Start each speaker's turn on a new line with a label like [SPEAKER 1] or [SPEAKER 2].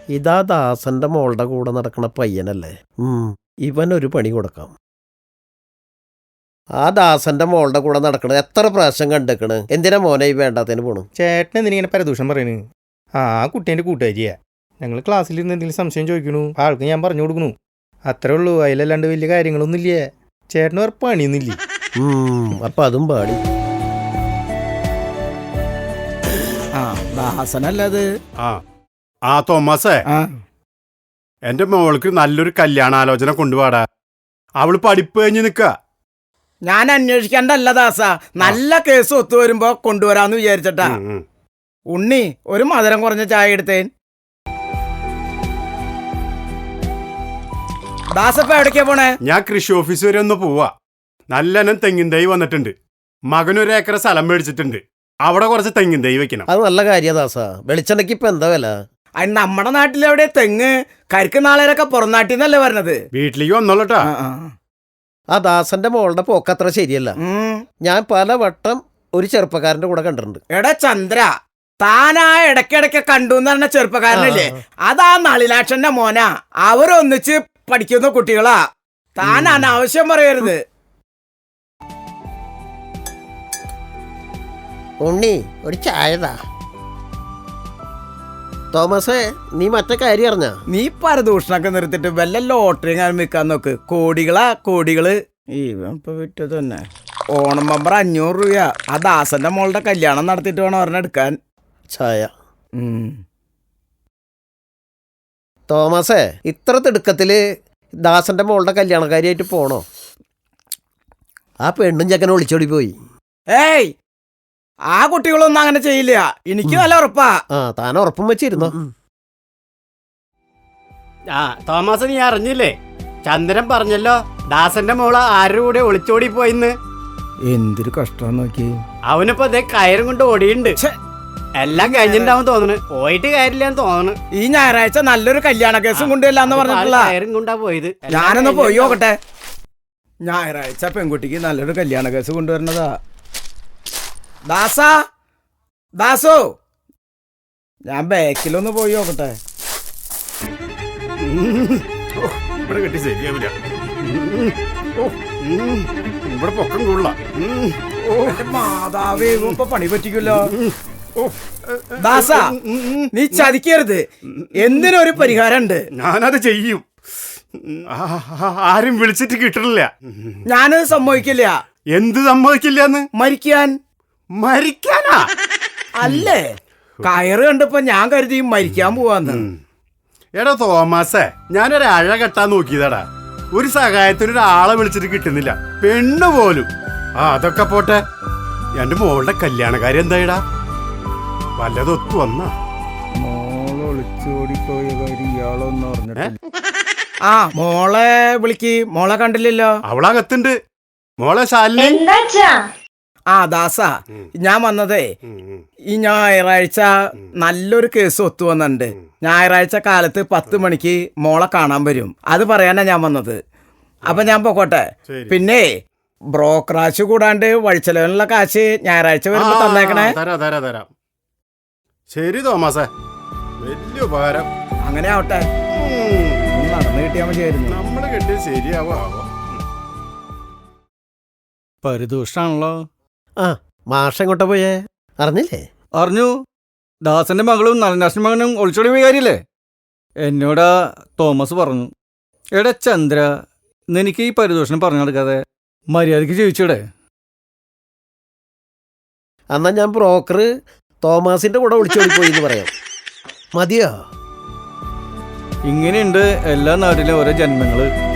[SPEAKER 1] ഇതാ ദാസന്റെ മോളുടെ കൂടെ നടക്കണ പയ്യനല്ലേ? ഇവനൊരു പണി കൊടുക്കാം. ആ ദാസന്റെ മോളുടെ കൂടെ നടക്കണത് എത്ര പ്രാവശ്യം കണ്ടേക്കണ്. എന്തിനാ മോനെ ഈ വേണ്ടാത്തതിന് പോണു?
[SPEAKER 2] ചേട്ടൻ എന്തിനിങ്ങനെ പരദൂഷണം പറയണ്? ആ കുട്ടീൻ്റെ കൂട്ടുകാരിയാ. ഞങ്ങൾ ക്ലാസ്സിലിരുന്ന് എന്തെങ്കിലും സംശയം ചോദിക്കണു, ആൾക്ക് ഞാൻ പറഞ്ഞു കൊടുക്കണു. അത്രേ ഉള്ളൂ. അതിലല്ലാണ്ട് വലിയ കാര്യങ്ങളൊന്നും ഇല്ലേ. ചേട്ടന് വേറെ പണിയൊന്നുമില്ല.
[SPEAKER 1] അപ്പൊ അതും പാടി.
[SPEAKER 3] ദാസനല്ലത്.
[SPEAKER 4] ആ തോമസേ, എന്റെ മോൾക്ക് നല്ലൊരു കല്യാണാലോചന കൊണ്ടുപോടാ. അവള് പഠിപ്പ് കഴിഞ്ഞ് നിക്ക.
[SPEAKER 3] ഞാൻ അന്വേഷിക്കണ്ടല്ല ദാസ, നല്ല കേസ് ഒത്തുവരുമ്പോ കൊണ്ടുവരാന്ന് വിചാരിച്ചട്ടാ. ഉണ്ണി, ഒരു മധുരം കുറഞ്ഞ ചായ എടുത്തേൻ. ദാസപ്പ എവിടേക്കാ പോണേ?
[SPEAKER 4] ഞാൻ കൃഷി ഓഫീസ് വരെ ഒന്ന് പോവാ. നല്ലനം തെങ്ങിൻ തൈ വന്നിട്ടുണ്ട്. മകനൊരു ഏക്കർ സ്ഥലം മേടിച്ചിട്ടുണ്ട്. അവിടെ കുറച്ച് തെങ്ങിൻ തൈ വെക്കണം.
[SPEAKER 1] അത് നല്ല കാര്യ ദാസ. വെളിച്ചെണ്ണയ്ക്ക് ഇപ്പൊ എന്താ വില?
[SPEAKER 3] അതിന് നമ്മുടെ നാട്ടിലെവിടെ തെങ്ങ്? കരിക്ക് നാളേരൊക്കെ പുറം നാട്ടിൽ നിന്നല്ലേ പറഞ്ഞത്.
[SPEAKER 4] വീട്ടിലേക്ക് വന്നോളട്ടാ.
[SPEAKER 1] ആ ദാസന്റെ മോളുടെ പോക്കത്ര ശരിയല്ല. ഞാൻ പല വട്ടം ഒരു ചെറുപ്പക്കാരന്റെ കൂടെ കണ്ടിട്ടുണ്ട്.
[SPEAKER 3] എടാ ചന്ദ്ര, താനാ ഇടയ്ക്കിടയ്ക്ക് കണ്ടു എന്ന് പറഞ്ഞ ചെറുപ്പക്കാരനല്ലേ, അതാ നളിനാക്ഷന്റെ മോനാ. അവരൊന്നിച്ച് പഠിക്കുന്ന കുട്ടികളാ. താൻ അനാവശ്യം പറയരുത്.
[SPEAKER 1] ഉണ്ണി, ഒരു ചായതാ. തോമസേ, നീ മറ്റേ കാര്യം അറിഞ്ഞ?
[SPEAKER 3] നീ പരദൂഷണൊക്കെ നിർത്തിട്ട് വല്ല ലോട്ടറി ഞാൻ വിൽക്കാൻ നോക്ക്. കോടികള്. ഇപ്പൊ വിറ്റത് തന്നെ. ഓണം ബമ്പർ 500 രൂപ. ആ ദാസന്റെ മോളുടെ കല്യാണം നടത്തിയിട്ട് വേണം ഒരെണ്ണം എടുക്കാൻ.
[SPEAKER 1] ചായ. തോമസേ, ഇത്ര തിടുക്കത്തില് ദാസന്റെ മോളുടെ കല്യാണക്കാരിയായിട്ട് പോണോ? ആ പെണ്ണും ചെക്കനെ വിളിച്ചോടി പോയി.
[SPEAKER 3] ഏയ്, ആ കുട്ടികളൊന്നും അങ്ങനെ ചെയ്യില്ല. എനിക്ക് നല്ല ഉറപ്പാ.
[SPEAKER 1] താൻ ഉറപ്പും വെച്ചിരുന്നോ?
[SPEAKER 5] തോമസ്, നീ അറിഞ്ഞില്ലേ? ചന്ദ്രൻ പറഞ്ഞല്ലോ ദാസന്റെ മോള് ആരുടെ കൂടെ ഒളിച്ചോടി പോയിന്ന്.
[SPEAKER 3] എന്തൊരു കഷ്ടം നോക്കി.
[SPEAKER 5] അവനിപ്പോ അതേ കയറും കൊണ്ട് ഓടിയുണ്ട്. എല്ലാം കഴിഞ്ഞിട്ടുണ്ടാവും തോന്നുന്നു. പോയിട്ട് കാര്യമില്ലാന്ന് തോന്നുന്നു.
[SPEAKER 3] ഈ ഞായറാഴ്ച നല്ലൊരു കല്യാണ കേസും കൊണ്ടുവരില്ലാന്ന് പറഞ്ഞിട്ടുള്ള
[SPEAKER 5] കയറും കൊണ്ടാ പോയത്.
[SPEAKER 3] ഞാനൊന്ന് പോയി നോക്കട്ടെ. ഞായറാഴ്ച പെൺകുട്ടിക്ക് നല്ലൊരു കല്യാണ കേസ് കൊണ്ടുവരണതാ. ദാസോ, ഞാൻ ബാക്കിലൊന്ന് പോയി നോക്കട്ടെ.
[SPEAKER 4] ഇവിടെ കെട്ടി ശരിയാവില്ല. ഇവിടെ പൊക്കം കൊള്ള.
[SPEAKER 3] മാതാവേ, ഇപ്പൊ പണി പറ്റിക്കല്ലോ. ദാസ, നീ ചതിക്കരുത്. എന്തിനൊരു പരിഹാരം ഉണ്ട്.
[SPEAKER 4] ഞാനത് ചെയ്യും. ആരും വിളിച്ചിട്ട് കിട്ടില്ല.
[SPEAKER 3] ഞാനത് സമ്മതിക്കില്ല.
[SPEAKER 4] എന്ത് സമ്മതിക്കില്ലെന്ന്?
[SPEAKER 3] മരിക്കാനാ അല്ലേ? കയറ് കണ്ടപ്പോ ഞാൻ കരുതി മരിക്കാൻ പോവാന്ന്.
[SPEAKER 4] എടാ തോമസേ, ഞാനൊരു അഴ കെട്ടാൻ നോക്കിയതാടാ. ഒരു സഹായത്തിന് ഒരാളെ വിളിച്ചിട്ട് കിട്ടുന്നില്ല. പെണ്ണ് പോലും. അതൊക്കെ പോട്ടെ, എന്റെ മോളുടെ കല്യാണക്കാരി എന്തായിടാ? വല്ലതൊത്തു വന്നാ?
[SPEAKER 3] മോളൊളിച്ചോടിപ്പോയ കാര്യം ഇയാളൊന്നും അറിഞ്ഞിട്ടില്ല. മോളെ വിളിക്ക്. മോളെ കണ്ടില്ലല്ലോ.
[SPEAKER 4] അവളകത്തുണ്ട്. മോളെ ശാലിനി.
[SPEAKER 3] ദാസ, ഞാൻ വന്നതേ ഈ ഞായറാഴ്ച നല്ലൊരു കേസ് ഒത്തു വന്നിട്ടുണ്ട്. ഞായറാഴ്ച കാലത്ത് 10 മണിക്ക് മോളെ കാണാൻ വരും. അത് പറയാനാ ഞാൻ വന്നത്. അപ്പൊ ഞാൻ പോക്കോട്ടെ. പിന്നെ ബ്രോക്കറാശ് കൂടാണ്ട് വഴിച്ചെലവിനുള്ള കാശ് ഞായറാഴ്ച വരുമ്പോ തന്നേക്കണേ.
[SPEAKER 4] തരാം. ശരി തോമസേ, വലിയ ഉപകാരം.
[SPEAKER 3] അങ്ങനെ ആവട്ടെ. നടന്നു കിട്ടിയാൽ മതിയായിരുന്നു.
[SPEAKER 4] നമ്മള് കെട്ടി ശരിയാവോ?
[SPEAKER 2] പരിദൂഷണാണല്ലോ.
[SPEAKER 1] മാഷ് എങ്ങോട്ടാ പോയേ? അറിഞ്ഞില്ലേ?
[SPEAKER 2] അറിഞ്ഞു. ദാസന്റെ മകളും നളിനാക്ഷന്റെ മകനും ഒളിച്ചോടി പോയ കാര്യല്ലേ? എന്നോടാ തോമസ് പറഞ്ഞു. എടാ ചന്ദ്ര, നിനക്ക് ഈ പരിദൂഷണം പറഞ്ഞു കൊടുക്കാതെ മര്യാദയ്ക്ക് ജീവിച്ചൂടെ?
[SPEAKER 1] എന്നാ ഞാൻ ബ്രോക്കർ തോമസിന്റെ കൂടെ വിളിച്ചോടി പോയി എന്ന് പറയാം. മതിയോ?
[SPEAKER 2] ഇങ്ങനെയുണ്ട് എല്ലാ നാട്ടിലും ഓരോ ജന്മങ്ങള്.